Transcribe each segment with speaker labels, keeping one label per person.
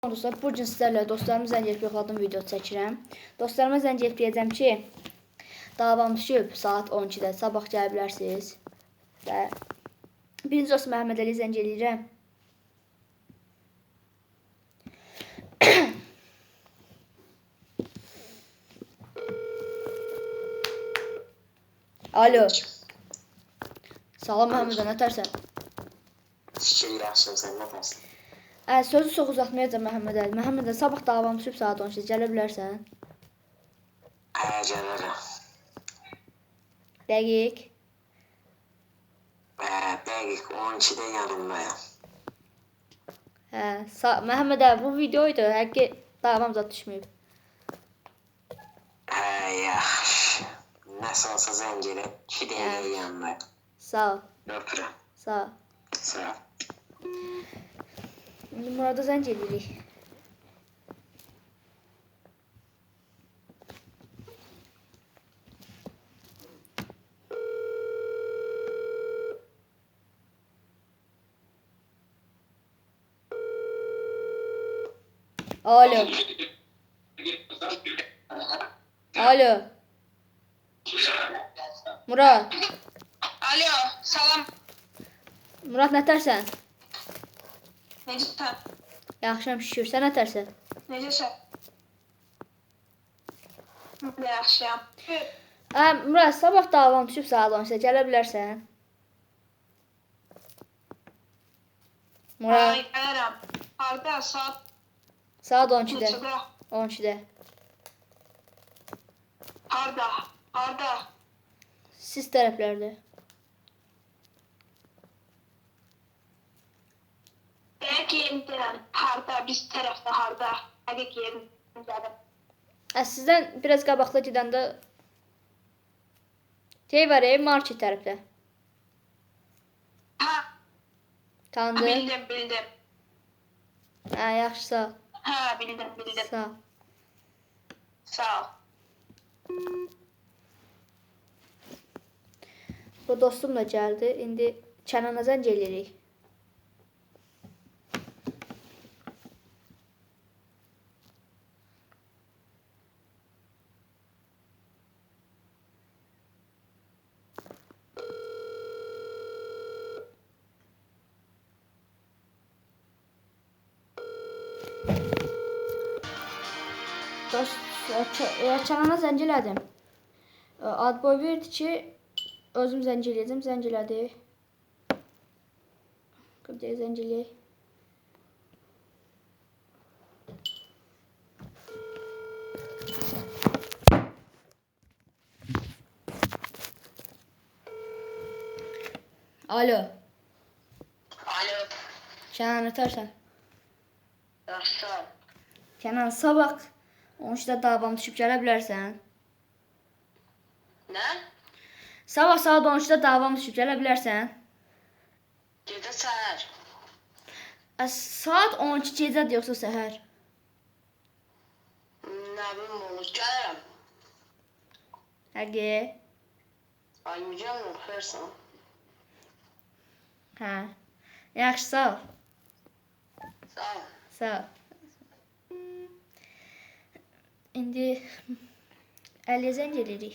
Speaker 1: Dostlar, bu gün sizlərlə dostlarımı zəng edib yoxladığım video çəkirəm. Dostlarıma zəng edib deyəcəm ki, davam düşüb saat 12-də sabah gələ bilərsiniz. Və birinci dost Məhəmməd Əli zəng edirəm. Alo. Salam Məhəmməd, nətərsən?
Speaker 2: Şükür yaxşıyım, sən nətərsən?
Speaker 1: Sözü çox uzatmayacağım Məhəmməd Əli. Məhəmməd Əli, sabah davam düşüb saat 12-də gələ bilərsən?
Speaker 2: Gəlirəm.
Speaker 1: Dəqiq.
Speaker 2: Dəqiq 12-də yanımdayım.
Speaker 1: Məhəmməd Əli, bu videoydu. Həqiqi davam zat düşməyib.
Speaker 2: Yaxşı. Nəsə olsa zəng edib, 2 dəqiqə yanımdayım.
Speaker 1: Sağ ol.
Speaker 2: Öpürəm.
Speaker 1: Sağ ol.
Speaker 2: Sağ ol.
Speaker 1: İndi Murada zəng edirik. Alo. Alo. Murad.
Speaker 3: Alo, salam.
Speaker 1: Murad, nətərsən?
Speaker 3: Necəsən?
Speaker 1: Yaxşıyam, şükür. Sən nətərsən?
Speaker 3: Necəsən? Yaxşıyam.
Speaker 1: Murad, sabah davam düşüb saat 12-də gələ bilərsən? Murad.
Speaker 3: Ay, gəlirəm. Harada?
Speaker 1: Saat 12-də.
Speaker 3: Neçədə?
Speaker 1: 12-də.
Speaker 3: Harada?
Speaker 1: Siz tərəflərdə.
Speaker 3: Dəqiq yerimdəyəm. Harada? Biz tərəfdə harada? Dəqiq yerimdəyəm.
Speaker 1: Sizdən biraz qabaqda gedəndə var, market tərəfdə.
Speaker 3: Ha,
Speaker 1: Tanıdın?
Speaker 3: bildim.
Speaker 1: Yaxşı, sağ ol.
Speaker 3: Ha, bildim.
Speaker 1: Sağ ol.
Speaker 3: Sağ ol.
Speaker 1: Bu dostum da gəldi. İndi Kənana zəng eləyirik. Kənana zəng elədim. Ad boy verdi ki, özüm zəng eləyəcəm. Zəng elədi. Qıbdəyə zəng eləyək. Alo.
Speaker 3: Alo.
Speaker 1: Kənan, nətərsən?
Speaker 3: Yaxşı.
Speaker 1: Kənan, sabah 13-də davam düşüb gələ bilərsən?
Speaker 3: Nə?
Speaker 1: Sabah saat 13-də davam düşüb gələ bilərsən?
Speaker 3: Gecə səhər.
Speaker 1: Saat 12 gecədir yoxsa səhər?
Speaker 3: Nə bilim olur. Gəlirəm.
Speaker 1: Həqiqi?
Speaker 3: Ay, mücəm oxuyarsan.
Speaker 1: Yaxşı, sağ ol.
Speaker 3: Sağ ol.
Speaker 1: Sağ ol. İndi Əliyə zəng edirik.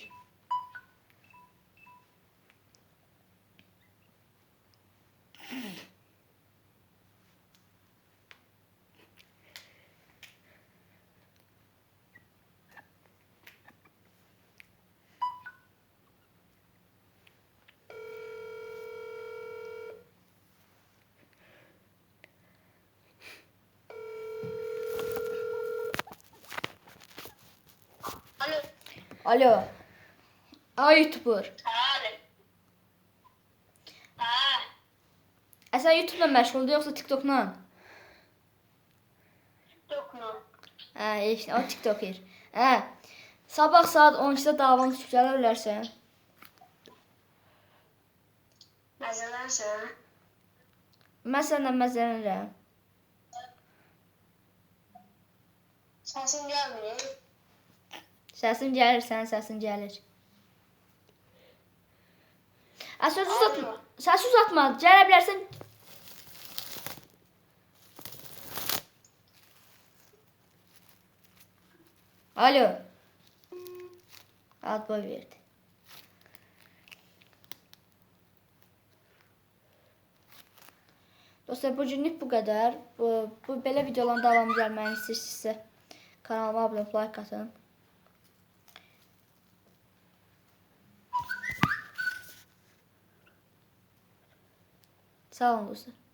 Speaker 1: Alo. Ay, YouTuber. Sən YouTube-la məşğuldur yoxsa TikTok-la?
Speaker 3: TikTok-la.
Speaker 1: O TikToker. Sabah saat 12-də davam düşüb gələ bilərsən?
Speaker 3: Məzələnsən?
Speaker 1: Mən sənlə məzələnirəm.
Speaker 3: Səsin gəlmir.
Speaker 1: Səsin gəlir, sənin səsin gəlir. Səs uzatma. Gələ bilərsən. Alo. Ad boy verdi. Dostlar, bugünlük bu qədər. Bu belə videoların davamı gəlməyini istəyirsinizsə kanalıma abunə olub like atın. Sağ olun dostlar.